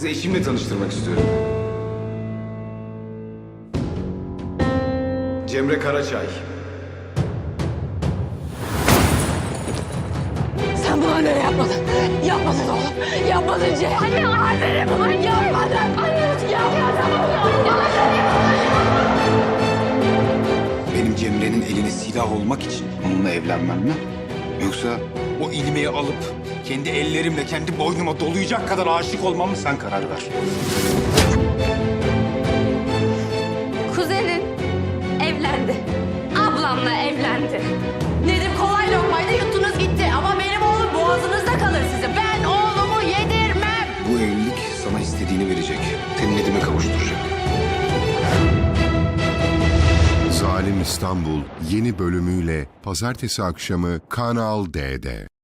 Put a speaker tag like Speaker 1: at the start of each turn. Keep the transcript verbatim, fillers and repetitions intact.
Speaker 1: Sizi eşimle tanıştırmak istiyorum. Cemre Karaçay.
Speaker 2: Sen bunu annene yapmadın. Yapmadın oğlum. Yapmadın Cem. Anne, annene bunu yapmadın. Anne, yapmadın oğlum.
Speaker 1: Benim Cemre'nin eline silah olmak için onunla evlenmem mi? Yoksa o ilmeği alıp kendi ellerimle kendi boynuma dolayacak kadar aşık olmam mı? Sen karar ver.
Speaker 2: Kuzenin evlendi. Ablamla evlendi. Nedim kolay lokmayla yuttunuz gitti. Ama benim oğlum boğazınızda kalır sizin. Ben oğlumu yedirmem.
Speaker 1: Bu evlilik sana istediğini verecek. Seni Nedim'e kavuşturacak.
Speaker 3: Zalim İstanbul yeni bölümüyle pazartesi akşamı Kanal D'de.